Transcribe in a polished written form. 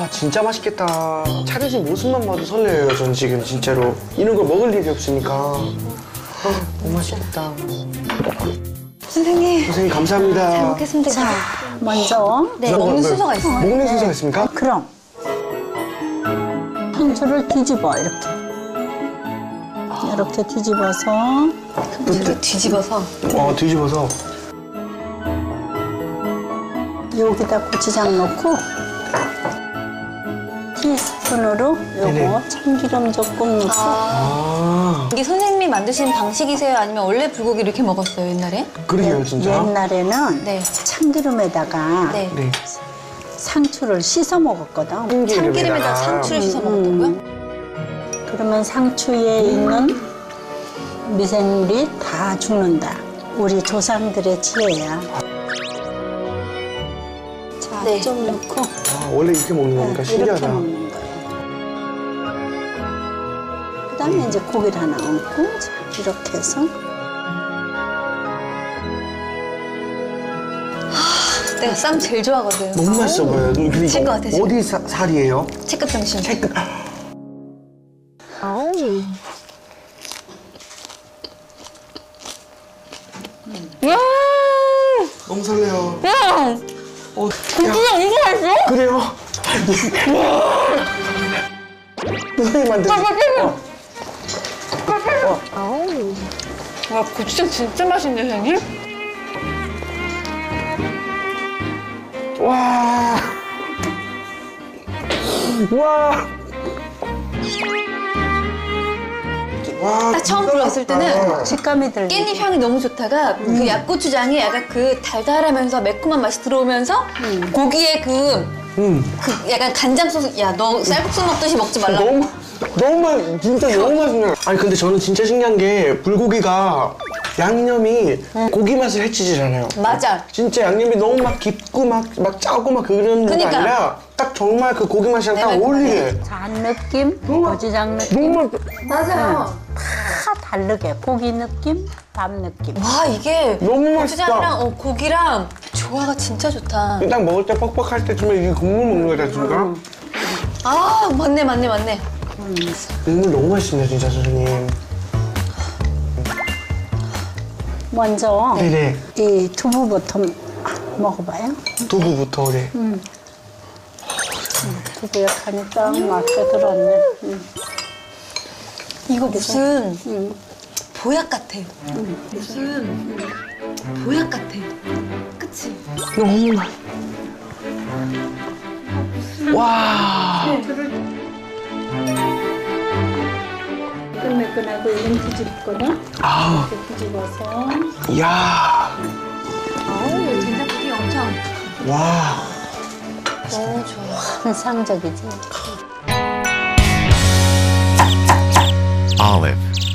와 진짜 맛있겠다. 차려진 모습만 봐도 설레요. 전 지금 진짜로 이런 걸 먹을 일이 없으니까. 너무 맛있겠다. 선생님. 선생님 감사합니다. 잘 먹겠습니다. 자, 먼저. 네, 먹는 순서가 있어요. 먹는 순서가 있습니까? 그럼. 상추를 뒤집어, 이렇게. 이렇게 뒤집어서. 이렇게 뒤집어서. 뒤집어서. 여기다 고추장 넣고. 티스푼으로 네네. 요거 참기름 조금 넣고. 이게 선생님이 만드신 방식이세요? 아니면 원래 불고기 이렇게 먹었어요, 옛날에? 그러게요 진짜. 옛날에는 네. 참기름에다가 네. 네. 상추를 씻어 먹었거든. 참기름에다 상추를 씻어 먹었다고요? 그러면 상추에 있는 미생물이 다 죽는다. 우리 조상들의 지혜야. 자, 네. 좀 넣고. 원래 이렇게 먹는 거니까 이렇게 신기하다. 먹는 거예요. 그다음에 이제 고기를 하나 얹고, 자, 이렇게 해서. 내가 쌈 제일 좋아하거든. 너무 맛있어 보여요. 그리고 미칠 것 같아, 지금. 어디 살이에요? 체크 병신. 너무 설레요. 진짜 이게 맛있어? 그래요? 선생님한테. 와, 고추장 진짜 맛있는데, 선생님? 와. 와. 와. 딱 처음 들어왔을 때는 식감이 들려. 깻잎 향이 너무 좋다가 그 약고추장이 약간 그 달달하면서 매콤한 맛이 들어오면서 고기에 그 약간 간장 소스. 야, 너 쌀국수 먹듯이 먹지 말라고. 진짜 너무 맛있네요. 아니 근데 저는 진짜 신기한 게 불고기가 양념이 고기 맛을 해치질 않아요. 맞아. 진짜 양념이 너무 막 깊고 막 짜고 막 그런 게 그러니까. 아니라 딱 정말 그 고기 맛이랑 딱 네, 어울리게. 잔 느낌, 고추장 느낌. 너무 맞아요. 다 다르게. 고기 느낌, 밥 느낌. 와, 이게 너무 맛있다. 고추장이랑 고기랑 조화가 진짜 좋다. 딱 먹을 때 뻑뻑할 때쯤에 이게 국물 먹는 거다 진짜. 아, 맞네, 맞네, 맞네. 국물 너무 맛있네요 진짜 선생님. 먼저 네네. 이 두부부터 먹어봐요. 두부부터 네. 두부에 간이 딱 맞게 들었네. 이거 무슨 보약 같아. 무슨 보약 같아. 그치? 너무 맛. 와. 매끈매끈하고 이건 뒤집거든. 아. 이렇게 뒤집어서. 야. 어우, 된장국이 엄청 와. 너무 좋아. 환상적이지. Olive.